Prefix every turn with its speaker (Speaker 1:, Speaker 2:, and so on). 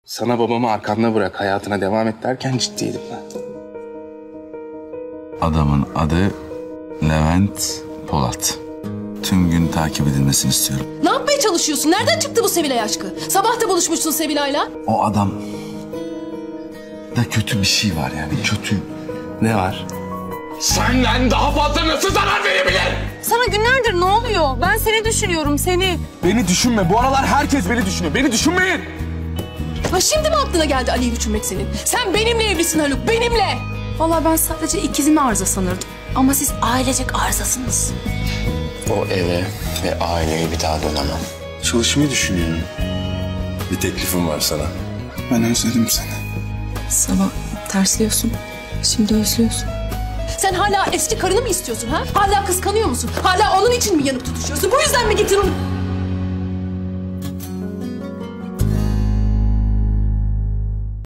Speaker 1: Sana babamı arkanda bırak, hayatına devam et derken ciddiydim ben.
Speaker 2: Adamın adı Levent Polat. Tüm gün takip edilmesini istiyorum.
Speaker 3: Ne yapmaya çalışıyorsun? Nereden çıktı bu Sevilay aşkı? Sabah da buluşmuşsun Sevilay'la.
Speaker 2: O adam da kötü bir şey var yani, kötü.
Speaker 1: Ne var?
Speaker 4: Senden daha fazla nasıl zarar verebilir?
Speaker 5: Sana günlerdir ne oluyor? Ben seni düşünüyorum, seni.
Speaker 4: Beni düşünme. Bu aralar herkes beni düşünüyor. Beni düşünmeyin.
Speaker 3: Ha şimdi mi aklına geldi Ali'yi düşünmek senin? Sen benimle evlisin Haluk, benimle.
Speaker 5: Vallahi ben sadece ikizimi arıza sanırdım. Ama siz ailecek arızasınız.
Speaker 4: O eve ve aileye bir daha dönemem.
Speaker 1: Çalışmayı düşünüyorum.
Speaker 2: Bir teklifim var sana.
Speaker 1: Ben özledim seni.
Speaker 5: Sabah tersliyorsun, şimdi özlüyorsun.
Speaker 3: Sen hala eski karını mı istiyorsun ha? Hala kıskanıyor musun? Hala onun için mi yanıp tutuşuyorsun? Bu yüzden mi getirdin?